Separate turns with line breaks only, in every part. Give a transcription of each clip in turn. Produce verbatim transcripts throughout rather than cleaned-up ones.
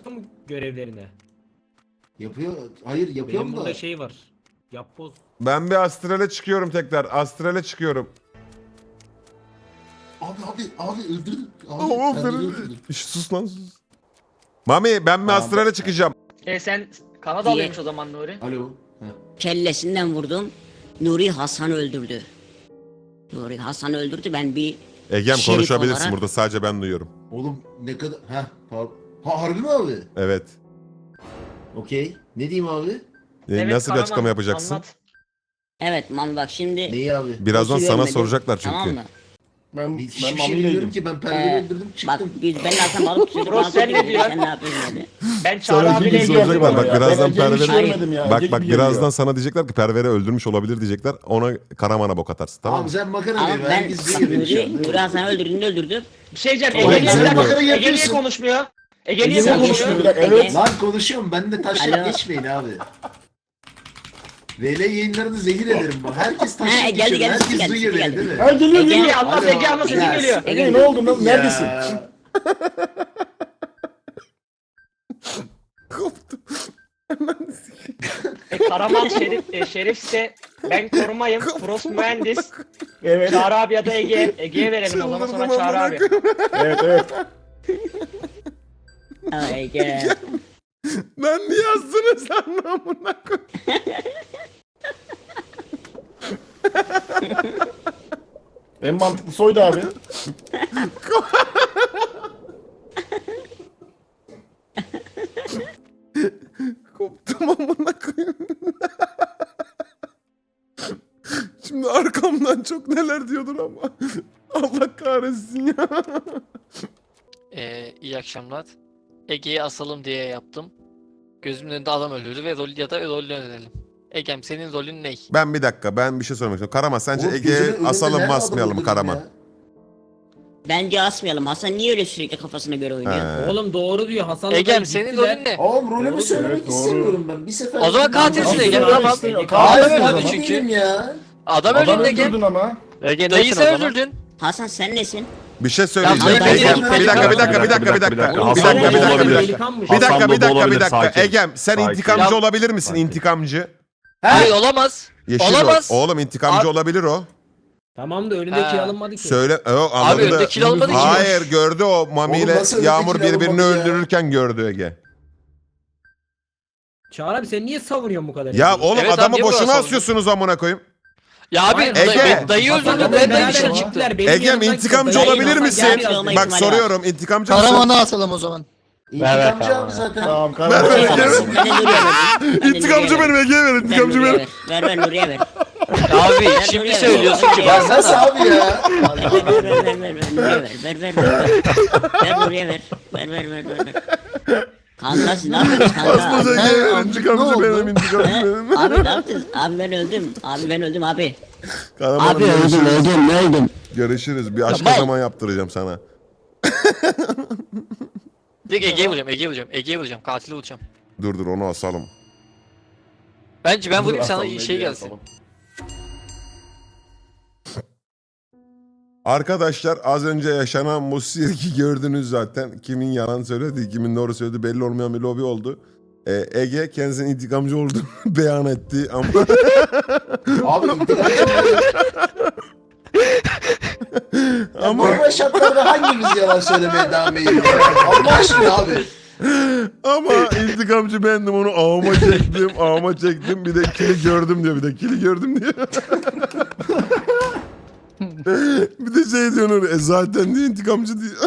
mı görevlerini?
Yapıyor. Hayır yapıyorum
Benim
da.
burada şey var. Yap boz.
Ben bir astrale çıkıyorum tekrar. Astrale çıkıyorum.
Abi abi abi öldürdün. Abi
Ama
kendini
Ferit.
öldürdün.
Şş, sus lan sus. Mami ben bir
Tamam.
astrale çıkacağım.
E sen Kanadalıymış o zaman Nuri.
Alo. Heh.
Kellesinden vurdum. Nuri Hasan öldürdü. Nuri Hasan öldürdü. Ben bir
Egem
Şerif
konuşabilirsin
olarak-
burada, sadece ben duyuyorum.
Oğlum ne kadar... Heh pardon. Ha harbi mi abi?
Evet.
Okey. Ne diyeyim abi?
E,
Evet,
nasıl bir
Karaman,
açıklama yapacaksın?
anlat.
evet Mami bak şimdi
Neyi abi?
Birazdan
boss'u
sana
görmedim,
soracaklar çünkü.
Tamam mı?
Ben,
Hiçbir
ben
şey
Mami'yle
bilmiyorum
ilgili.
ki ben perdeyi
Ee,
öldürdüm
Bak
çıktım.
biz ben zaten balık tutuyorduk.
Bro,
balık
sen ne
tutuyorduk,
diyorsun?
Sen ne yapıyorsun dedi.
Ben
Sana
Çağrı
iki
abiyle
gün
ilgili
soracaklar, bak
ya.
birazdan
Ben Ege'yi hiç
Perver'e-
görmedim ya.
Bak
Ege
bak
gibi
birazdan
geliyor.
sana diyecekler ki Perver'e öldürmüş olabilir diyecekler. Ona Karaman'a bok atarsın, tamam
Abi
mı?
sen makara
Ama
diyor.
ben
Herkes
bak,
biliyor beni şu
Nuri,
an.
Nuri Hasan'ı öldürdüğünde öldürdüm.
bir şey diyeceğim.
Oğlum,
Ege niye,
sen
bir dakika,
makara
Ege niye
yapıyorsun.
konuşmuyor? Ege niye
Ege
Sen
konuşmuyor?
konuşmuyor.
konuşuyorsun,
Evet.
Ege.
Lan konuşuyorum. Ben de taşla
Alo.
geçmeyin abi. V L yayınlarını zehir ederim bak. Herkes
Ha,
taşla
geldi,
geçiyor.
geldi,
Herkes
geldi,
duyuyor beni
geldi.
değil mi?
Ha geliyor
Ege-
geliyor.
Ege anlat,
Alo.
Ege anlat, sesin
Ya,
geliyor.
Ege ne oldu lan? Neredesin?
Ya.
Koptum.
E, Karaman Şerif, e, Şerifse ben korumayım. Frost mühendis.
Evet.
Çağrı abi ya da Ege. Ege'ye verelim o zaman, sonra
Çıldırdım
Çağrı
amına
abi.
koyayım.
Evet evet.
Ha, Ege.
Ben niye yazdınız lan amına koyayım?
En mantıklısı oydu abi.
Koptum amına koyayım. Şimdi arkamdan çok neler diyordur ama. Allah kahretsin ya.
Ee, iyi akşamlar. Ege'yi asalım diye yaptım. Gözümün önünde adam öldürdü ve rol ya da rolünü öğrenelim. Egem senin rolün ne?
Ben bir dakika, ben bir şey sormak istiyorum. Karaman sence
Oğlum, gözümün
Ege'ye
önünde
asalım
nerede
mı
adam
asmayalım mı
öldürdün
Karaman?
ya?
Bence asmayalım. Hasan niye öyle sürekli kafasına göre oynuyor?
He.
Oğlum doğru diyor. Hasan'la
Egem
da
senin
gittiler.
rolün ne?
Oğlum rolümü
Doğru,
söylemek
evet, doğru.
istemiyorum ben. Bir sefer...
O zaman katilsin
Adam
Ege,
öldürdü.
tamam.
Hayır,
Katil
ben
o zaman.
değilim ya.
Adam,
Adam
öldürdün Ege.
öldürdün ama.
Ege dayı sen öldürdün.
Hasan sen nesin?
Bir şey söyleyeceğim.
Ya,
Egem,
ben-
bir dakika, bir dakika, bir dakika, bir dakika. Bir dakika, bir dakika, bir dakika, bir dakika.
Delikanmış.
Bir dakika,
Hasan
bir
Baba
dakika, bir
olabilir,
dakika.
sakin.
Egem, sen
Sakin.
intikamcı
Ya-
olabilir misin?
Sakin.
İntikamcı.
Hayır olamaz.
Yeşil
Olamaz.
rol. Oğlum intikamcı
Abi-
olabilir o.
Tamam da önündeki
Ha.
alınmadı ki.
Söyle. O,
Abi
anladı.
önde kil almadı ki.
Hayır, gördü o Mami
Oğlum
ile
nasıl
Yağmur
öndeki kil
birbirini
alınmadı ya?
öldürürken gördü Ege.
Çağrı abi sen niye savunuyorsun bu kadar?
Ya
Ege'yi?
oğlum
Evet abi,
adamı
niye bu kadar
boşuna
savundun?
asıyorsunuz amına koyayım.
Ya abi
Hayır,
dayı,
Ege.
dayı öldürdün.
Hasan'la
Ben dayı
beraber
dışarı
gittiler,
çıktı.
benim
Egem
yanımdan
intikamcı
dayı
olabilir
Hasan
misin?
geldi
Gelmiyor,
yanıma.
Bak
ihtimali var.
soruyorum, intikamcı mısın?
Karaman'ı asalım o zaman.
İntikamcı abi zaten.
Tamam
Ben
karar.
de Nuri'ye verdim. Ben de Nuri'ye
İntikamcı
verdim.
benim, Ege'ye ver,
Ver
intikamcı
Nuri'ye
benim.
ver. Ver ver Nuri'ye ver.
Abi
Ver
şimdi
Nuri'ye ver.
söylüyorsun ki
Ya nasıl
baksana.
abi ya?
Ver ver ver ver ver Nuri'ye ver. Ver ver ver. Ver Nuri'ye ver. Ver ver ver ver. ver. Kanka siz ne yapıyorsunuz kanka?
Aslı Ege'ye ver,
amcık,
intikamcı
ne oldu?
benim, intikamcı
He?
benim.
Abi ne yaptınız? Abi ben öldüm. Abi ben öldüm abi.
Karaman'ım,
Abi öldüm
görüşürüz.
öldüm öldüm.
Görüşürüz. Bir aşk
Tamam.
kazama yaptıracağım sana.
Direkt Ege'ye vuracağım, Ege'ye vuracağım, Ege'ye vuracağım, katili vuracağım.
Dur dur, onu asalım.
Bence ben vurayım
Dur,
sana
asalım,
şey
Ege'yi
gelsin.
asalım.
Arkadaşlar az önce yaşanan bu sirki gördünüz zaten. Kimin yalan söyledi, kimin doğru söyledi belli olmayan bir lobi oldu. Ee, Ege kendisinin intikamcı olduğunu beyan etti ama
Abi intikamcı
ama
normal şartlarda hangimiz yalan söylemeye devam ediyor? Allah aşkına abi.
ama intikamcı bendim, onu ağıma çektim, ağıma çektim. Bir de kili gördüm diyor, bir de kili gördüm diyor. Bir de şey diyor Nuri, e zaten diyor intikamcı diyor.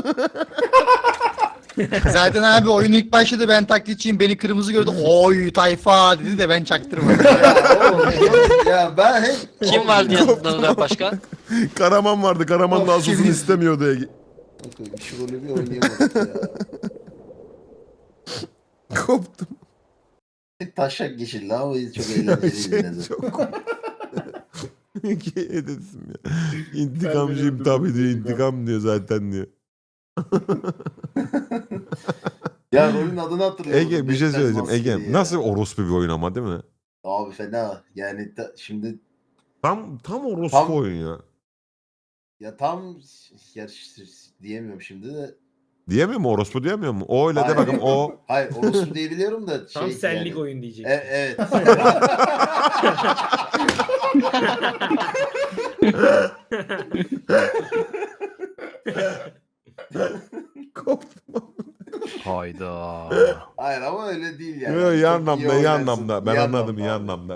Zaten abi oyun ilk başladı, ben taklitçiyim, beni kırmızı gördü. Oy tayfa dedi de ben çaktırmadım.
Ya, oğlum, ya ben hep...
Kim vardı yanında başka?
Karaman vardı, Karaman da
Of,
asılsın
kimin?
istemiyordu Ege.
Şu rolü bir oynayamadık ya.
Koptum.
Taşak geçildi ama çok eğlenceliydi yine de.
Çok Ege'ye dedim ya. İntikamcıyım tabii diyor, intikam diyor zaten diyor.
Ya rolün adını hatırlıyorum.
Ege bir şey
Bekler
söyleyeceğim.
maskeli
Ege
ya.
nasıl orospu bir oyun ama değil mi?
Abi fena. Yani ta- şimdi
Tam tam orospu
Tam-
oyun ya.
ya tam gerçi diyemiyorum şimdi de
Diyemiyor mu? Orospu diyemiyor mu? O öyle de
Hayır.
bakın o.
Hayır orospu diyebiliyorum da şey
Tam senlik
yani.
oyun diyecek.
E, evet.
Hayda.
Hayır ama öyle değil yani.
Yok, iyi
Çok
anlamda, iyi
oynarsın,
anlamda. Ben
iyi
anladım, iyi
abi.
anlamda.